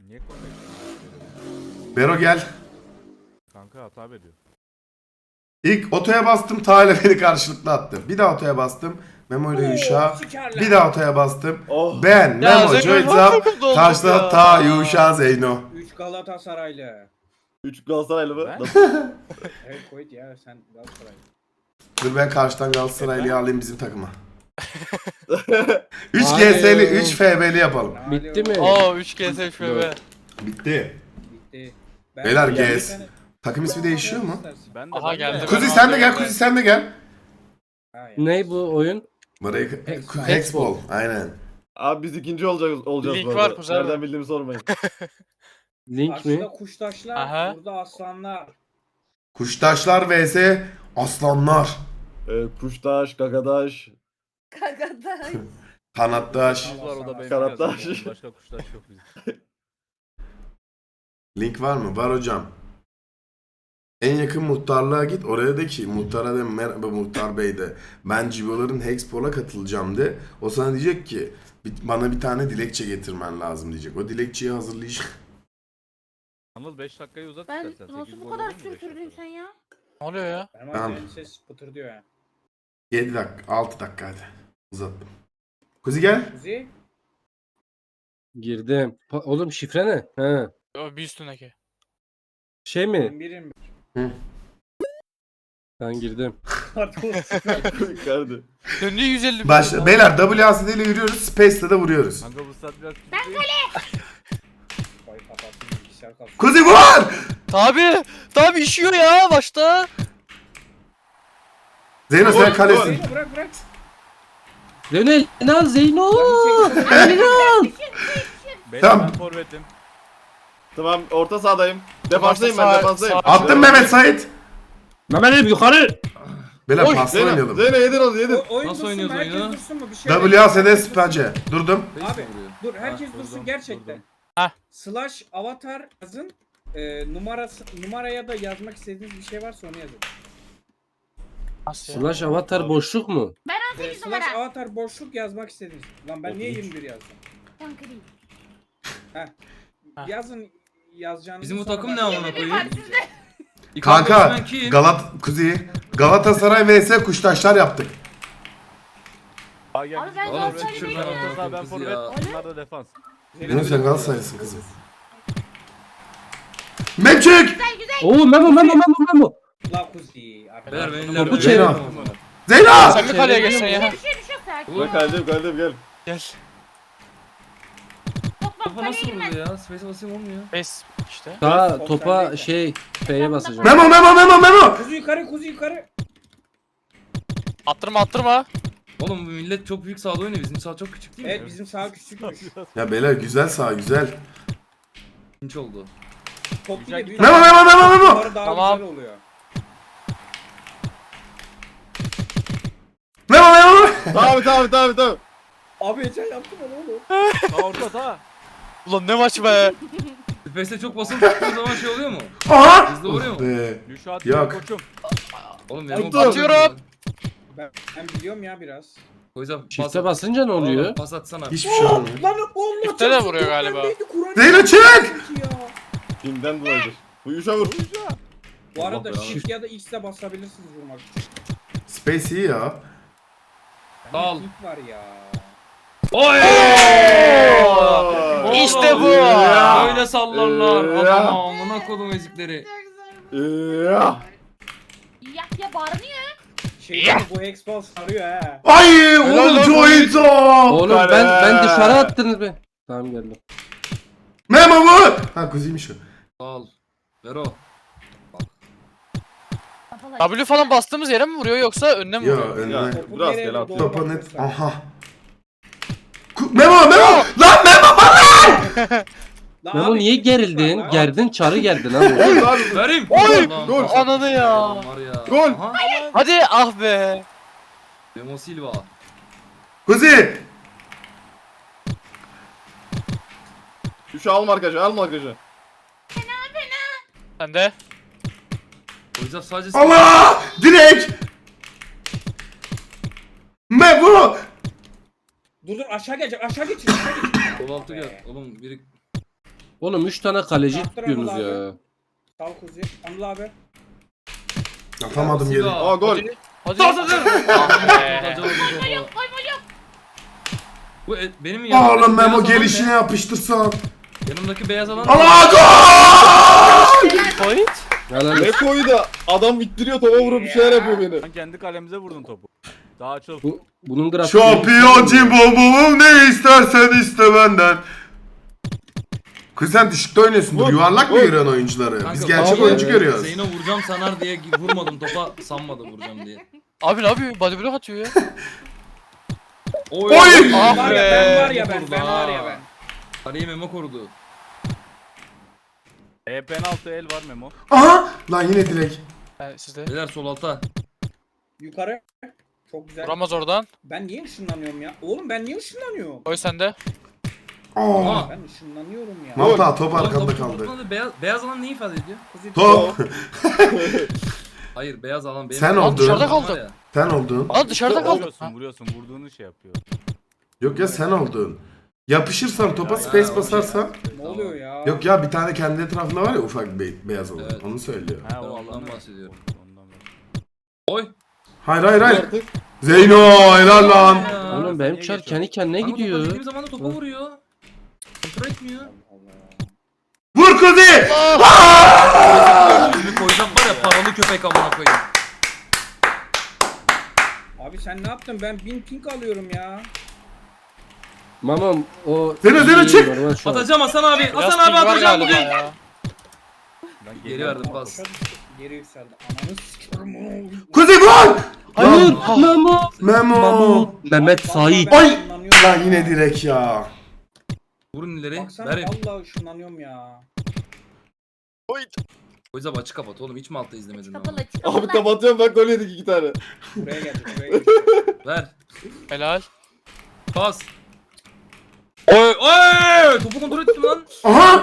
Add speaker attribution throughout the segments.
Speaker 1: Niye konuşuyorsun?
Speaker 2: Bero gel.
Speaker 1: Kanka hata veriyor.
Speaker 2: İlk otoya bastım, Ta ile beni karşılıklı attı. Bir daha otoya bastım. Memo ile Yuşa. Bir daha otoya bastım.
Speaker 3: Oh.
Speaker 2: Ben, Memo,
Speaker 4: Zeyno
Speaker 2: Joyzap,
Speaker 4: çok kötü olduk
Speaker 2: karşıda
Speaker 4: ya.
Speaker 2: Ta, Yuşa, Zeyno.
Speaker 5: 3 Galatasaraylı.
Speaker 3: 3 Galatasaraylı mı?
Speaker 1: Ben?
Speaker 3: Nasıl?
Speaker 5: Evet koyut ya sen Galatasaraylı.
Speaker 2: Dur ben karşıdan Galatasaraylı'yı alayım bizim takıma. 3
Speaker 6: Hadi.
Speaker 2: GS'li, 3 FB'li yapalım.
Speaker 6: Bitti mi?
Speaker 4: Oo 3 kez FB.
Speaker 2: Bitti.
Speaker 5: Bitti.
Speaker 2: Beyler,
Speaker 5: bir
Speaker 2: GS.
Speaker 5: tane-
Speaker 2: Takım ismi değişiyor mu?
Speaker 1: Ben de
Speaker 4: Aha, geldi.
Speaker 2: Kuzi sen de gel, Kuzi sen de gel.
Speaker 5: Ha, ya.
Speaker 6: Ne bu oyun?
Speaker 2: Burayı
Speaker 5: Hexball.
Speaker 2: Hexball, aynen.
Speaker 3: Abi biz ikinci olacağız
Speaker 4: Link
Speaker 3: bu
Speaker 4: var
Speaker 3: arada.
Speaker 4: kuzen.
Speaker 3: Nereden bildiğimi sormayın.
Speaker 6: Link mi?
Speaker 5: Karşıda kuştaşlar,
Speaker 4: Aha.
Speaker 5: burada aslanlar.
Speaker 2: Kuştaşlar vs aslanlar.
Speaker 3: Kuştaş, gagadaş.
Speaker 7: Kagaday.
Speaker 2: Kanattaş.
Speaker 1: Kuşlar o da benim
Speaker 3: Karattaş.
Speaker 1: yazım. Başka kuştaş yok bizim.
Speaker 2: Link var mı? Var hocam. En yakın muhtarlığa git. Oraya de ki muhtara de merhaba muhtar bey de. Ben Cibo'ların Hexpol'a katılacağım de. O sana diyecek ki bana bir tane dilekçe getirmen lazım diyecek. O dilekçeyi hazırlayacak.
Speaker 1: Anıl 5 dakikayı uzat
Speaker 7: Ben
Speaker 1: istersen.
Speaker 7: nasıl
Speaker 1: 8
Speaker 7: bu
Speaker 1: gol
Speaker 7: kadar
Speaker 1: olur mu beş
Speaker 7: sürdürdün
Speaker 1: dakikada?
Speaker 7: sen ya?
Speaker 4: Ne oluyor ya?
Speaker 5: Benim
Speaker 2: Tamam.
Speaker 5: annemin ses pıtır diyor ya.
Speaker 2: 7 dakika, 6 dakika hadi. Uzattım. Kuzi gel.
Speaker 5: Kuzi,
Speaker 6: Girdim. Oğlum şifre ne? He.
Speaker 4: O bir üstündeki.
Speaker 6: Şey mi?
Speaker 5: birim.
Speaker 6: Ben girdim.
Speaker 3: Kardı.
Speaker 4: Döndü 150 bin.
Speaker 2: Başla. Beyler WASD ile yürüyoruz. Space'de de vuruyoruz.
Speaker 1: Kanka bu saat biraz küçük
Speaker 7: Ben
Speaker 1: değil.
Speaker 5: Vay kapatsın bilgisayar kalsın.
Speaker 2: Kuzi vur!
Speaker 4: Tabi işiyor ya başta.
Speaker 2: Zeyno sen kalesin.
Speaker 5: Zeyno bırak.
Speaker 6: Lionel al Zeyno.
Speaker 5: Lan
Speaker 6: Lionel.
Speaker 1: Beyler
Speaker 2: Tamam.
Speaker 1: ben forvetim.
Speaker 3: Tamam, orta sahadayım. Defanstayım ben,
Speaker 4: Sağ-
Speaker 3: defanstayım.
Speaker 4: sağ-
Speaker 2: Attım Mehmet Sait.
Speaker 6: Mehmet yukarı.
Speaker 2: Beyler
Speaker 4: Oy,
Speaker 2: pasla
Speaker 3: Zeyno,
Speaker 2: oynayalım.
Speaker 3: Zeyno yedin onu yedin.
Speaker 5: Oyun
Speaker 8: Nasıl
Speaker 5: dursun mu?
Speaker 8: oynuyoruz
Speaker 5: Herkes
Speaker 8: oyunu?
Speaker 5: dursun mu? Bir şey
Speaker 2: WASD Space. Durdum.
Speaker 5: Abi dur herkes
Speaker 1: Ha,
Speaker 5: dursun
Speaker 1: durdum,
Speaker 5: gerçekten.
Speaker 1: durdum.
Speaker 4: Hah.
Speaker 5: Slash avatar yazın. Numaraya da yazmak istediğiniz bir şey varsa onu yazın.
Speaker 4: Nasıl ya?
Speaker 6: Slash avatar boşluk mu?
Speaker 7: Ben 18
Speaker 5: Slash
Speaker 7: numara.
Speaker 5: avatar boşluk yazmak istediğiniz. Lan ben niye 21 yazdım?
Speaker 7: Tam kırayım.
Speaker 4: Ha.
Speaker 5: Yazın yazacağınızı.
Speaker 8: Bizim bu
Speaker 5: sonra
Speaker 8: takım
Speaker 5: ben-
Speaker 8: ne amına
Speaker 7: Bir
Speaker 8: koyayım?
Speaker 7: var sizde.
Speaker 2: Kanka
Speaker 8: Ben kim?
Speaker 2: Galatasaray vs Kuştaşlar yaptık.
Speaker 1: Aa, gel
Speaker 7: Abi
Speaker 1: biz
Speaker 7: ben
Speaker 1: de
Speaker 8: Oğlum
Speaker 1: forvet.
Speaker 7: Galatasaraylı
Speaker 8: şuradan
Speaker 7: değilim.
Speaker 1: Orta saha ben
Speaker 8: kız
Speaker 1: forvet.
Speaker 8: ya.
Speaker 1: Bunlar da defans.
Speaker 2: Zeyno sen Galatasaraylısın kızım. Memçük!
Speaker 6: Oo Memo.
Speaker 5: La kuzi.
Speaker 8: Beyler ben
Speaker 6: Topu
Speaker 8: ileride
Speaker 6: çevir.
Speaker 2: Zeyno!
Speaker 4: Sen mi kaleye geçsen ya?
Speaker 7: Düşüyor sakin.
Speaker 3: Ulan kaldım gel.
Speaker 4: Gel.
Speaker 7: Top
Speaker 8: Topa
Speaker 7: kaleye
Speaker 8: nasıl
Speaker 7: girmez.
Speaker 8: vurdu ya? Space'e basayım olmuyor.
Speaker 4: Bes işte.
Speaker 6: Daha topa şey F'ye basacağım.
Speaker 2: Memo!
Speaker 5: Kuzi yukarı.
Speaker 4: Attırma.
Speaker 8: Oğlum bu millet çok büyük sahada oynuyor. Bizim saha çok küçük değil mi?
Speaker 5: Evet bizim sağ küçükmüş.
Speaker 2: Ya beyler güzel sağ güzel.
Speaker 8: Pinç oldu.
Speaker 5: Top bir de büyük.
Speaker 2: Memo!
Speaker 5: Bunları daha
Speaker 4: Tamam.
Speaker 5: güzel oluyor.
Speaker 2: Memo!
Speaker 3: Tamam.
Speaker 5: Abi geçen yaptım onu oğlum.
Speaker 1: Sağ orta sağ.
Speaker 4: Ulan ne maç be.
Speaker 8: Space'e çok basılı tuttuğu zaman şey oluyor mu?
Speaker 2: Aha!
Speaker 8: Hızlı vuruyor mu?
Speaker 2: Be.
Speaker 1: Yuşa at
Speaker 2: Yok.
Speaker 1: koçum.
Speaker 8: Oğlum benim
Speaker 4: Atıyorum.
Speaker 5: Ben biliyorum ya biraz.
Speaker 8: O yüzden
Speaker 6: Çifte basınca ne oluyor?
Speaker 8: Pas atsana.
Speaker 2: Hiçbir şey olmuyor.
Speaker 5: Lan Allah
Speaker 4: Çifte de vuruyor galiba.
Speaker 2: Zeyno çık!
Speaker 3: Kimden dolayıdır? Bu Yuşa vur.
Speaker 5: Bu arada
Speaker 8: Allah
Speaker 5: shift ya da X'e basabilirsiniz vurmak için.
Speaker 2: Space iyi ya.
Speaker 8: Al.
Speaker 5: Link var ya.
Speaker 8: Oy!
Speaker 4: İşte bu.
Speaker 8: Böyle sallarlar.
Speaker 3: Ya.
Speaker 8: Adama amına kodum ezikleri.
Speaker 3: Ya.
Speaker 7: Ya bağırmıyor.
Speaker 5: Bu Hexball sarıyor ha.
Speaker 2: Ay oğlum Joyzo!
Speaker 6: Oğlum ben dışarı attınız be. Tamam geldim.
Speaker 2: Memo vur! Ha kuziymiş o.
Speaker 8: Al. Vero.
Speaker 4: W falan bastığımız yere mi vuruyor yoksa önüne mi
Speaker 2: Ya
Speaker 4: vuruyor?
Speaker 2: önüne.
Speaker 5: Topu
Speaker 3: Biraz
Speaker 5: nereye
Speaker 3: gel at.
Speaker 5: doğru
Speaker 2: Topa
Speaker 5: bakıyorsan.
Speaker 2: net. Aha. Memo! Lan Memo bana!
Speaker 5: Lan
Speaker 6: Memo
Speaker 5: abi,
Speaker 6: niye
Speaker 5: shift var
Speaker 6: gerildin?
Speaker 5: lan.
Speaker 6: Gerdin çarı gerdin ha.
Speaker 8: Verim.
Speaker 4: Oy!
Speaker 8: Gol.
Speaker 4: Ananı ya.
Speaker 8: Var ya.
Speaker 3: Gol.
Speaker 8: Aha.
Speaker 4: Hadi ah be.
Speaker 8: Demo Silva.
Speaker 2: Kuzi!
Speaker 3: Yuşa al markajı.
Speaker 4: Sen de.
Speaker 8: O yüzden sadece
Speaker 2: Allah! Direkt! Memo!
Speaker 5: Dur aşağı gelecek.
Speaker 8: 16 gel. Oğlum biri
Speaker 6: Oğlum 3 tane kaleci
Speaker 5: Kaptır
Speaker 6: tutuyorsunuz
Speaker 5: Anıl
Speaker 6: ya.
Speaker 5: Sal Kuzi. Anıl abi.
Speaker 2: Atamadım geri.
Speaker 3: Aa gol.
Speaker 4: Hadi.
Speaker 8: Dur dur dur. Bu benim yanımdaki
Speaker 2: Oğlum Memo
Speaker 8: beyaz alan
Speaker 2: gelişine
Speaker 8: ne?
Speaker 2: yapıştırsan.
Speaker 8: Yanımdaki beyaz alan ne?
Speaker 2: Allah gol!
Speaker 4: Point.
Speaker 6: Helal
Speaker 3: Ne koyu da adam ittiriyor topa vurup bir şeyler yapıyor beni.
Speaker 1: Sen kendi kalemize vurdun topu. Daha açıl.
Speaker 6: Bunun grafiği.
Speaker 2: Şampiyon cimbomum ne istersen iste benden. Kız sen düşükte oynuyorsundur.
Speaker 3: Vur,
Speaker 2: Yuvarlak mı
Speaker 3: vur.
Speaker 2: görüyorsun oyuncuları?
Speaker 8: Kanka,
Speaker 2: Biz gerçek
Speaker 6: abi,
Speaker 2: oyuncu görüyoruz.
Speaker 8: Zeyno vuracağım sanar diye vurmadım topa, sanmadı vuracağım diye.
Speaker 4: Abi ne yapıyor? Body block atıyor ya.
Speaker 2: Oy!
Speaker 4: Ah
Speaker 5: Var
Speaker 4: be.
Speaker 5: ya ben var ya ben.
Speaker 8: Korudu
Speaker 5: Ben
Speaker 8: ha.
Speaker 5: var ya ben.
Speaker 8: Kaleyi Memo korudu.
Speaker 1: Penaltı el var Memo.
Speaker 2: Aha! Lan yine direkt.
Speaker 4: Sizde.
Speaker 8: Beyler sol alta.
Speaker 5: Yukarı. Çok güzel.
Speaker 4: Vuramaz oradan.
Speaker 5: Ben niye ışınlanıyorum ya? Oğlum ben niye ışınlanıyorum?
Speaker 4: Koy sende.
Speaker 2: Aa!
Speaker 8: Aa.
Speaker 5: Ben ışınlanıyorum ya.
Speaker 2: Malta top
Speaker 8: Oğlum,
Speaker 2: arkanda
Speaker 8: topu
Speaker 2: kaldı.
Speaker 8: tutmadı. Beyaz alan ne ifade ediyor?
Speaker 5: Kuzi
Speaker 2: Top!
Speaker 8: Hayır, beyaz alan benim.
Speaker 2: Sen
Speaker 8: Lan
Speaker 2: oldun.
Speaker 8: dışarıda
Speaker 4: Dışarıda
Speaker 8: kaldı.
Speaker 4: kaldı.
Speaker 2: Sen oldun.
Speaker 4: Aa dışarıda kaldı.
Speaker 1: Vuruyorsun vuruyorsun. Vurduğunu şey yapıyor.
Speaker 2: Yok ya sen oldun. Yapışırsan topa
Speaker 1: Ya,
Speaker 2: space
Speaker 8: ya,
Speaker 2: basarsan.
Speaker 5: ne oluyor ya?
Speaker 2: Yok ya bir tane kendi etrafında var ya ufak bir beyaz olan.
Speaker 8: Evet.
Speaker 2: Onu söylüyor.
Speaker 1: Ha
Speaker 8: Ben
Speaker 1: o
Speaker 8: ondan
Speaker 1: alanı.
Speaker 8: bahsediyorum.
Speaker 1: Ondan
Speaker 8: Oy.
Speaker 2: Hayır hayır hayır.
Speaker 3: Artık.
Speaker 2: Zeyno helal lan.
Speaker 8: Ya.
Speaker 6: Oğlum benim
Speaker 1: Niye
Speaker 6: çar
Speaker 1: geçiyorsun?
Speaker 6: kendi kendine
Speaker 8: Kanka topa
Speaker 6: gidiyor.
Speaker 8: dediğim zaman da topa vuruyor. Kontrol etmiyor.
Speaker 2: Vur Kuzi!
Speaker 8: Yüzünü koyacağım var ya, paralı köpek amına koyayım.
Speaker 5: Abi sen ne yaptın? Ben 1000 ping alıyorum ya.
Speaker 6: Mamam o...
Speaker 2: Zeyno, çık!
Speaker 6: Normal şu an.
Speaker 8: Atacağım Hasan abi.
Speaker 4: Biraz
Speaker 8: Hasan abi
Speaker 4: ping var
Speaker 8: atacağım
Speaker 4: galiba
Speaker 8: bugün.
Speaker 4: ya.
Speaker 1: Ben
Speaker 8: Geri verdim pas.
Speaker 5: Geri yükseldi. Ananı sikiyorum.
Speaker 2: Kuzi gol!
Speaker 6: Hayır.
Speaker 2: Lan,
Speaker 6: Memo.
Speaker 2: Memo.
Speaker 6: Mehmet Sait.
Speaker 2: Ay! Lan yine direkt ya.
Speaker 8: Vurun ileri.
Speaker 5: Baksana
Speaker 8: Ver.
Speaker 5: vallahi ışınlanıyorum ya.
Speaker 8: O yüzden açık kapat oğlum. Hiç mi altta izlemedin
Speaker 7: Kapalı
Speaker 8: ama?
Speaker 7: açık
Speaker 3: Abi
Speaker 7: kapalı.
Speaker 3: kapatıyorum bak gol yedik 2 tane.
Speaker 5: Buraya geldi buraya geldi.
Speaker 8: Ver.
Speaker 4: Helal.
Speaker 8: Pas. Oy oy! Topu kontrol ettim lan.
Speaker 2: Aha!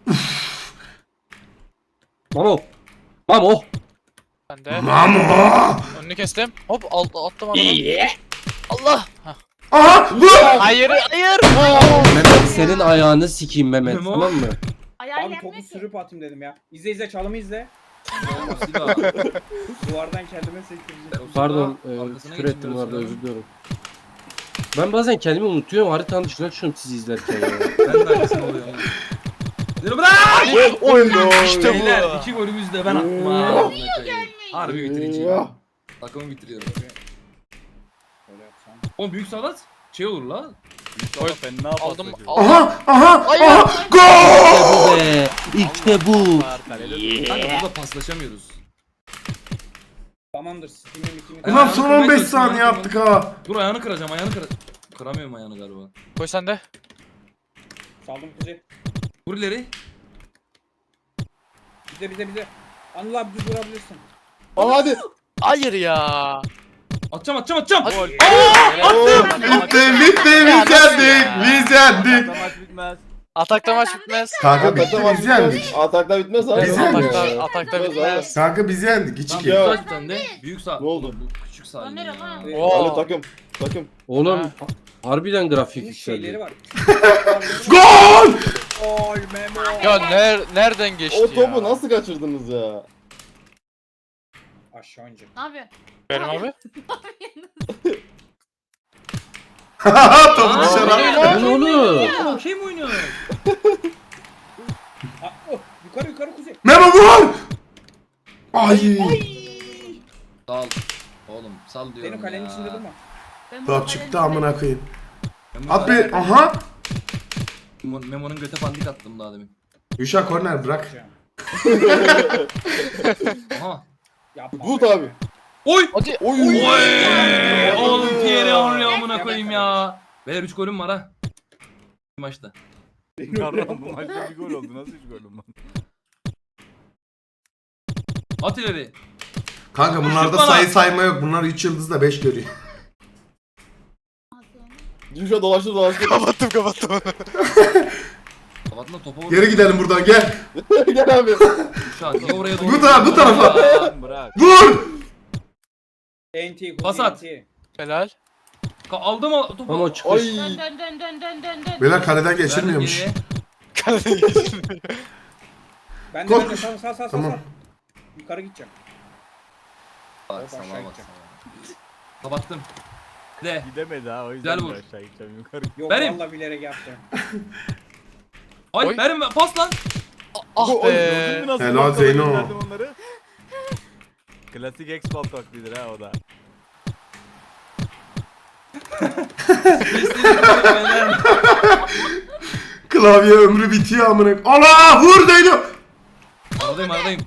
Speaker 6: Mamo. Mamo.
Speaker 4: Ben de.
Speaker 2: Mamo!
Speaker 4: Önünü kestim. Hop attım adamı. Allah. Hah.
Speaker 2: Aha! Vur!
Speaker 4: Hayır hayır.
Speaker 6: Mehmet senin ayağını sikeyim Mehmet,
Speaker 8: Memo.
Speaker 6: tamam mı?
Speaker 7: Ayağıyla
Speaker 5: Abi topu
Speaker 7: yapmıyor ki.
Speaker 5: sürüp atayım dedim ya. İzle izle çalımı izle.
Speaker 8: Silah.
Speaker 5: Duvardan kendime sektireceğim.
Speaker 6: Pardon,
Speaker 8: Arkasına
Speaker 6: küfür ettim bu arada,
Speaker 8: geçmiyoruz
Speaker 6: özür diliyorum. Ben bazen kendimi unutuyorum, haritanın dışına çıkıyorum sizi izlerken ya.
Speaker 8: Ben de aynısını oluyorum. Dur bırak!
Speaker 4: İşte
Speaker 8: Beyler
Speaker 4: bu.
Speaker 8: 2 golümüzü de ben attım ha. Harbi bitireceğim. Takımı bitiriyorum.
Speaker 5: Böyle yapsam.
Speaker 8: Oğlum büyük sağlat şey olur la.
Speaker 1: Oy fena
Speaker 4: Aldım.
Speaker 1: paslaşıyor.
Speaker 4: Aldım.
Speaker 2: Aha! Aha!
Speaker 4: Hayır.
Speaker 2: Aha! Gol!
Speaker 6: Bu be, işte bu.
Speaker 1: Var, kalede.
Speaker 8: Kanka burada paslaşamıyoruz.
Speaker 5: Tamamdır. Steam'im ikimi.
Speaker 8: Ben
Speaker 2: Ulan
Speaker 8: ayağını
Speaker 2: son
Speaker 8: kırmaya
Speaker 2: 15
Speaker 8: çalıştım,
Speaker 2: saniye
Speaker 8: ayağını
Speaker 2: yaptık ha.
Speaker 8: Dur ayağını kıracağım Kıramıyorum ayağını galiba.
Speaker 4: Koy sende.
Speaker 5: Saldım kuzi.
Speaker 8: Vur ileri.
Speaker 5: Bize. Anıl abi düz vurabilirsin.
Speaker 3: Aa hadi.
Speaker 4: Hayır ya.
Speaker 8: Atacağım.
Speaker 1: Gol.
Speaker 2: Bitti biz yendik. Biz yendik.
Speaker 1: Atakta maç bitmez.
Speaker 4: Atakta maç bitmez.
Speaker 2: Kanka bitti
Speaker 3: Atakta
Speaker 2: biz yendik.
Speaker 3: Atakta bitmez abi.
Speaker 2: Biz yendik.
Speaker 4: Atakta bitmez.
Speaker 2: Kanka biz yendik.
Speaker 8: Tamam,
Speaker 2: 2-2.
Speaker 8: büyük
Speaker 3: Ya.
Speaker 8: sağ bir tane de. Büyük sağ.
Speaker 3: Ne oldu?
Speaker 8: Bu küçük sağ.
Speaker 7: Lan nere lan?
Speaker 4: Oo.
Speaker 3: Hadi takım.
Speaker 6: Oğlum harbiden grafik
Speaker 5: Bunun şeyleri
Speaker 6: yükseldi.
Speaker 5: var.
Speaker 2: Gol!
Speaker 5: Gol Memo.
Speaker 4: Ya nereden geçti
Speaker 3: O
Speaker 4: ya?
Speaker 3: topu nasıl kaçırdınız ya?
Speaker 5: Aşağı ince.
Speaker 7: Ne yapıyorsun?
Speaker 4: Benim abi.
Speaker 2: Topu dışarı attı.
Speaker 6: Bu ne oğlum?
Speaker 8: Oğlum şey mi oynuyor?
Speaker 5: Yukarı kuzi.
Speaker 2: Memo vur! Ay!
Speaker 8: Sal. Oğlum sal diyorum
Speaker 5: Benim kalenin
Speaker 8: ya.
Speaker 5: içinde durma.
Speaker 7: Ben bu
Speaker 2: Top
Speaker 7: kalenin
Speaker 2: çıktı
Speaker 7: içinde-
Speaker 2: amına koyayım.
Speaker 8: Memo-
Speaker 2: At bir. Aha!
Speaker 8: Memo'nun göte pandik attım daha demin.
Speaker 2: Yuşa korner bırak.
Speaker 8: Aha.
Speaker 5: Yapma.
Speaker 3: Gut abi.
Speaker 8: Oy!
Speaker 4: Hadi.
Speaker 3: Oy.
Speaker 8: Oğlum Thierry Henry amına koyayım ya. Beyler 3 golüm var ha. Bu maçta.
Speaker 1: Yarram bu maçta bir gol oldu. Nasıl 3 gol oldu?
Speaker 8: At ileri.
Speaker 2: Kanka bunlarda
Speaker 8: Bana.
Speaker 2: sayı sayma yok. Bunlar 3 yıldız da 5 görüyor.
Speaker 3: Düşe dolaştı.
Speaker 4: Kapattım.
Speaker 8: Kapatın da topa vur.
Speaker 2: Geri gidelim buradan gel.
Speaker 3: Gel abi.
Speaker 8: Şu an niye oraya doğru?
Speaker 2: Bu tarafa.
Speaker 1: Bırak.
Speaker 2: Vur!
Speaker 5: NT kuzi.
Speaker 8: Pas at.
Speaker 5: NT.
Speaker 4: Helal.
Speaker 8: Aldım o topu.
Speaker 6: Mamo çıkış.
Speaker 3: Ay.
Speaker 7: Dön.
Speaker 2: Beyler kaleden geçilmiyormuş.
Speaker 8: Verdim
Speaker 4: Kalenin geçirmiyor.
Speaker 5: Ben
Speaker 2: Koş.
Speaker 5: de sağ.
Speaker 2: Tamam.
Speaker 5: Yukarı gideceğim.
Speaker 8: Bak
Speaker 5: Aşağı
Speaker 8: sana bak
Speaker 5: gideceğim.
Speaker 8: sana. Kapattım. De.
Speaker 1: Gidemedi ha o yüzden
Speaker 8: Güzel
Speaker 1: de
Speaker 8: vur.
Speaker 1: aşağı gideceğim yukarı.
Speaker 5: Yok
Speaker 8: Benim.
Speaker 5: vallahi bilerek yaptım.
Speaker 8: Ay
Speaker 4: Oy.
Speaker 8: benim pas lan.
Speaker 4: Ah
Speaker 1: Gördün
Speaker 4: be.
Speaker 1: mü nasıl
Speaker 2: Helal
Speaker 1: bakkala
Speaker 2: Zeyno.
Speaker 1: gönderdim onları? Klasik X-Ball taklidir ha o da.
Speaker 2: Klavye ömrü bitiyor amına. Allah vur Zeyno.
Speaker 8: Aradayım.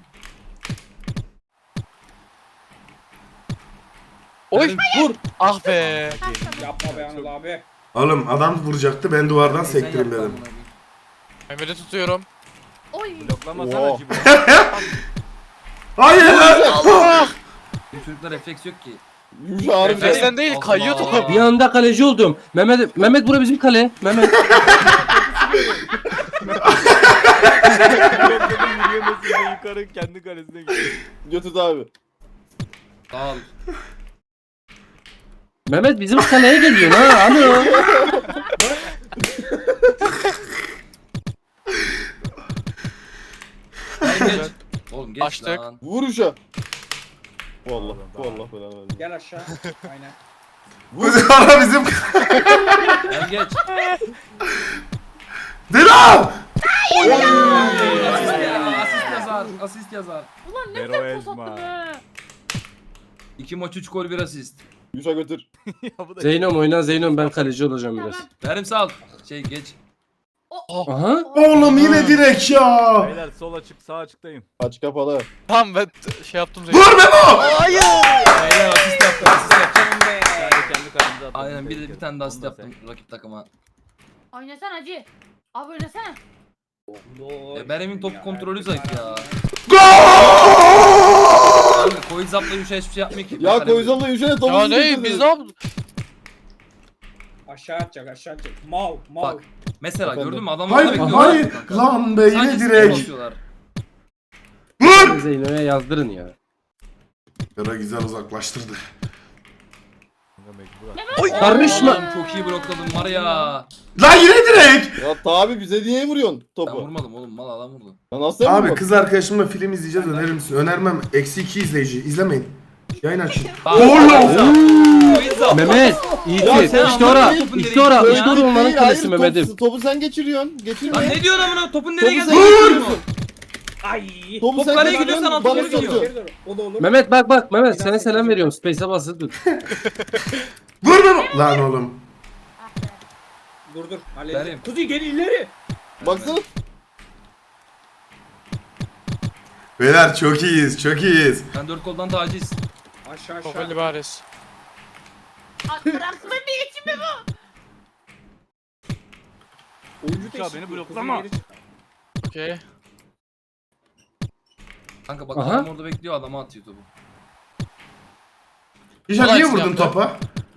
Speaker 4: Oy vur. Ah be.
Speaker 5: Yapma be Anıl abi.
Speaker 2: Oğlum adam vuracaktı ben duvardan sektirim dedim.
Speaker 4: Mehmet'i tutuyorum.
Speaker 7: Oy.
Speaker 1: Bloklamasana
Speaker 3: Oo.
Speaker 1: Cibo.
Speaker 2: Hayır.
Speaker 8: Bu çocuklar refleks yok ki.
Speaker 3: Yumuşak harbi.
Speaker 4: Refleksten değil, kayıyor top.
Speaker 6: Bir anda kaleci oldum. Mehmet bura bizim kale. Mehmet.
Speaker 1: Blokladım yürüyemesin de yukarı kendi kalesine gidiyor.
Speaker 3: Götürdü abi.
Speaker 8: Sağ ol.
Speaker 6: Mehmet bizim kaleye geliyor ha. Alo.
Speaker 8: Gel geç. Oğlum geç
Speaker 4: Açtık.
Speaker 8: lan.
Speaker 3: Vur uşa. Vallahi belanı versin.
Speaker 5: Gel aşağı. Aynen.
Speaker 2: Ara bizim.
Speaker 8: Gel geç.
Speaker 2: Dilan.
Speaker 8: Asist yazar.
Speaker 7: Ulan ne
Speaker 1: Vero
Speaker 7: güzel pas
Speaker 1: Ezma.
Speaker 7: attı be.
Speaker 8: 2 maç 3 gol 1 asist.
Speaker 3: Yumuşak götür.
Speaker 1: Ya bu da
Speaker 6: Zeynom oyna Zeynom ben kaleci olacağım biraz.
Speaker 7: Tamam.
Speaker 8: Verim sağ ol. Geç.
Speaker 6: Aha.
Speaker 2: Oğlum yine direkt ya.
Speaker 1: Beyler sol açık sağ açıktayım.
Speaker 3: Aç kapalı.
Speaker 4: Tamam ben şey yaptım.
Speaker 2: Vur Memo.
Speaker 4: Hayır.
Speaker 8: Beyler asist yaptım.
Speaker 5: Canım be.
Speaker 1: Yani kendi kalemize attım.
Speaker 8: Aynen bir tane daha asist
Speaker 1: Onu da
Speaker 8: yaptım rakip takıma.
Speaker 7: Oynasana hacı. Abi oynasana.
Speaker 8: Berem'in top kontrolü zayıf ya.
Speaker 2: Gol.
Speaker 8: Kanka Koy zapla Yuşa hiçbir şey yapmıyor ki.
Speaker 3: Ya Koyuzal'la Yuşak'a topu
Speaker 4: Ya ne biz ne yaptık?
Speaker 5: Aşağı atacak. Mal.
Speaker 8: Bak. Mesela
Speaker 3: Efendim?
Speaker 8: gördün mü adamlar
Speaker 2: Hayır
Speaker 8: bekliyorlar
Speaker 2: hayır.
Speaker 8: kanka.
Speaker 2: Lan be yine
Speaker 8: Sadece skor
Speaker 2: direkt.
Speaker 8: basıyorlar.
Speaker 2: Vur.
Speaker 6: Zeynom'a yazdırın ya.
Speaker 2: Yara güzel uzaklaştırdı.
Speaker 8: Oy
Speaker 6: Karışma.
Speaker 8: Oğlum çok iyi blokladım var ya.
Speaker 2: Lan yine direkt.
Speaker 3: Ya tabi bize niye vuruyorsun
Speaker 8: Ben
Speaker 3: topu?
Speaker 8: vurmadım oğlum mal adam vurdu.
Speaker 3: Ya nasıl
Speaker 2: Abi
Speaker 3: yapmadın?
Speaker 2: kız arkadaşımla film izleyeceğiz önerir misin? Önermem. -2 izleyici. İzlemeyin. Yayın açın.
Speaker 8: Bak,
Speaker 2: Oğlum.
Speaker 8: Koy zap.
Speaker 6: Mehmet.
Speaker 3: Ya
Speaker 6: İyi
Speaker 3: sen
Speaker 6: işte ora.
Speaker 8: anlamadın topun
Speaker 6: İşte ora.
Speaker 8: nereye
Speaker 6: İşte ora
Speaker 8: gittiğini
Speaker 6: onların
Speaker 3: Hayır,
Speaker 6: kalesi
Speaker 3: top-
Speaker 6: Mehmet'im.
Speaker 3: Topu sen geçiriyorsun. Geçirme.
Speaker 8: Lan ne diyorsun amına topun nereye
Speaker 3: Topu
Speaker 8: geldi?
Speaker 3: sen
Speaker 8: Vur!
Speaker 3: geçiriyorsun.
Speaker 5: Ay.
Speaker 3: Topu
Speaker 8: Top
Speaker 3: sen
Speaker 8: kaleye
Speaker 3: geçiriyorsun,
Speaker 8: gidiyorsan altı
Speaker 3: bana
Speaker 8: gol gidiyor.
Speaker 3: sokuyorsun.
Speaker 5: Geri dur. O da olur.
Speaker 6: Mehmet bak Mehmet sana selam veriyorum. Space'e basılı dur.
Speaker 2: Vur Memo. Lan oğlum.
Speaker 5: Dur.
Speaker 8: Benim.
Speaker 5: Halledeceğim. Kuzi gel ileri.
Speaker 3: Baksana.
Speaker 2: Beyler çok iyiyiz. Çok iyiyiz.
Speaker 8: Ben 4 koldan taciz.
Speaker 5: Aşağı.
Speaker 4: Kofeli baris.
Speaker 7: Bıraksın bir geçeyim mi bu?
Speaker 5: Oyuncu
Speaker 1: Uçağı
Speaker 5: değişikliği.
Speaker 1: beni
Speaker 5: Kuzi
Speaker 1: bloklama.
Speaker 5: geri çık.
Speaker 4: Okey.
Speaker 8: Kanka bak
Speaker 6: Aha.
Speaker 8: adam orada bekliyor adama atıyor topu.
Speaker 2: Hişam
Speaker 4: Kolay
Speaker 2: niye
Speaker 4: silah
Speaker 2: vurdun
Speaker 4: be.
Speaker 2: topa?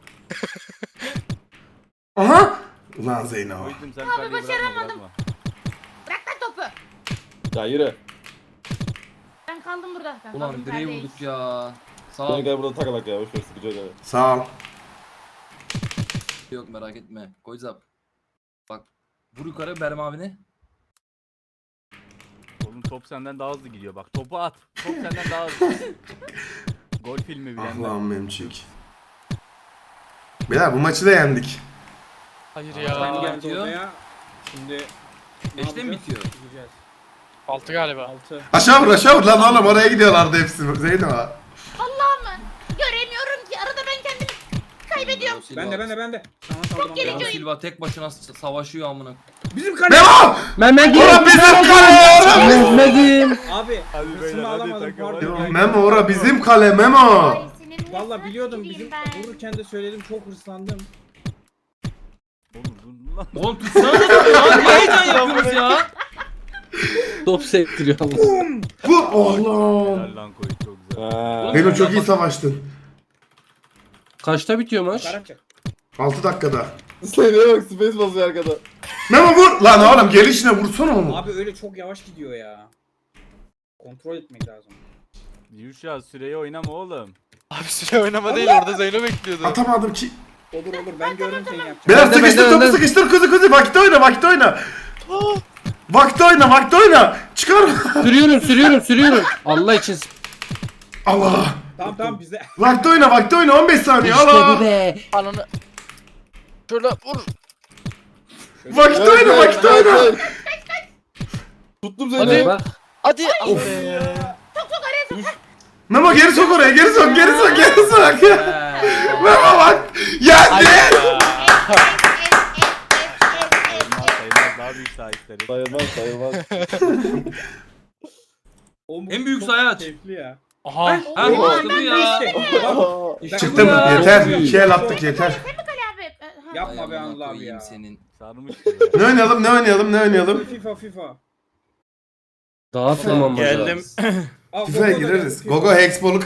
Speaker 2: Aha. Ulan Zeyno.
Speaker 1: Koydum sen kaleyi bırakma.
Speaker 7: Bırak lan topu.
Speaker 3: Ya yürü.
Speaker 7: Ben kaldım burada. Ben
Speaker 8: Ulan
Speaker 7: kaldım
Speaker 8: direği
Speaker 7: neredeyiz?
Speaker 8: vurduk ya. Sağ
Speaker 3: Seni
Speaker 8: ol.
Speaker 3: gel burada takalak ya. Boşver sıkıcı öyle.
Speaker 2: Sağ ol.
Speaker 8: Yok merak etme. Koy zap. Bak. Vur yukarı Berem abine.
Speaker 1: Oğlum top senden daha hızlı gidiyor bak. Topu at. Top senden daha hızlı. Gol filmi
Speaker 2: Ah
Speaker 1: bilenler.
Speaker 2: lan memçik. Beyler bu maçı da yendik.
Speaker 4: Hayır
Speaker 5: Sen
Speaker 4: ya.
Speaker 5: geldi
Speaker 8: bitiyor.
Speaker 5: odaya. Şimdi ne
Speaker 8: Beşte mi
Speaker 5: yapacağız?
Speaker 8: bitiyor?
Speaker 5: Gideceğiz.
Speaker 4: 6 galiba.
Speaker 5: 6.
Speaker 2: Aşağı vur lan oğlum oraya gidiyorlardı hepsi. Zeyno.
Speaker 7: Allah'ım. Göremiyorum ki. Arada ben kendimi kaybediyorum.
Speaker 8: Bero Silva-
Speaker 5: Ben de. Sana saldım.
Speaker 7: geri
Speaker 8: Bero
Speaker 7: dön.
Speaker 8: Silva tek başına savaşıyor amına.
Speaker 5: Bizim kale.
Speaker 2: Memo.
Speaker 6: Mehmet
Speaker 2: Ora bizim kale.
Speaker 6: Mehmet'im.
Speaker 5: Abi.
Speaker 1: Hadi
Speaker 5: Hırsımı
Speaker 1: beyler, hadi
Speaker 5: alamadım.
Speaker 1: takım,
Speaker 5: Pardon.
Speaker 1: hadi.
Speaker 2: Memo ora bizim kale Memo.
Speaker 7: Ay, senin
Speaker 5: Valla
Speaker 7: ne
Speaker 5: biliyordum
Speaker 7: bileyim
Speaker 5: bizim
Speaker 7: ben.
Speaker 5: vururken de söyledim çok hırslandım.
Speaker 1: Oğlum dur lan.
Speaker 8: Oğlum tutsana da ya. Niye heyecan yapıyorsunuz ya?
Speaker 6: Top sektiriyor Allah.
Speaker 2: Bu oğlum.
Speaker 1: Helal lan koy çok güzel.
Speaker 3: Ha.
Speaker 2: Zeyno çok iyi savaştın.
Speaker 6: Kaçta bitiyor maç?
Speaker 5: Karatacak.
Speaker 2: 6 dakikada.
Speaker 3: Seniye bak space basıyor arkada.
Speaker 2: Memo vur. Lan oğlum gelişine vursana onu.
Speaker 5: Abi öyle çok yavaş gidiyor ya. Kontrol etmek lazım.
Speaker 1: Yuşa süreyi oynama oğlum.
Speaker 4: Abi süre oynama değil orada Zeyno bekliyordu.
Speaker 2: Atamadım ki.
Speaker 5: Olur ben gördüm seni yapacağını.
Speaker 2: Beyler
Speaker 6: Ben de,
Speaker 2: sıkıştır
Speaker 6: ben de,
Speaker 2: topu
Speaker 6: ben de.
Speaker 2: sıkıştır kuzu vakit oyna. Vakti oyna, vakti oyna. Çıkar.
Speaker 6: Sürüyorum. Allah için.
Speaker 2: Allah.
Speaker 5: Tamam bize.
Speaker 2: Vakti oyna 15 saniye.
Speaker 6: İşte
Speaker 2: Allah.
Speaker 6: bu be.
Speaker 4: Ananı. Şöyle vur.
Speaker 2: Vakti oyna.
Speaker 3: Tuttum
Speaker 6: Hadi
Speaker 3: seni.
Speaker 6: bak.
Speaker 4: Hadi.
Speaker 2: Memo geri sok oraya, geri sok. Memo bak. Yendi.
Speaker 1: Sayılmaz daha büyük sahipleri.
Speaker 3: Sayılmaz.
Speaker 5: Oğlum,
Speaker 8: En büyük
Speaker 5: çok
Speaker 8: sayı aç.
Speaker 5: Keyifli ya.
Speaker 8: Aha. Ha
Speaker 7: Oo,
Speaker 8: işte bu ya.
Speaker 5: İşte.
Speaker 2: Çıktım.
Speaker 8: Ya.
Speaker 2: Yeter. 2 el attık yeter.
Speaker 7: Ali abi.
Speaker 5: Yapma be Anıl abi ya.
Speaker 8: Senin.
Speaker 1: Sarmış.
Speaker 2: Ne oynayalım?
Speaker 5: FIFA.
Speaker 6: Dağıtmamam
Speaker 9: Geldim.
Speaker 5: Al,
Speaker 2: FIFA'ya
Speaker 5: Gogo da
Speaker 2: gireriz.
Speaker 5: geldi, FIFA.
Speaker 2: Gogo Hexball'u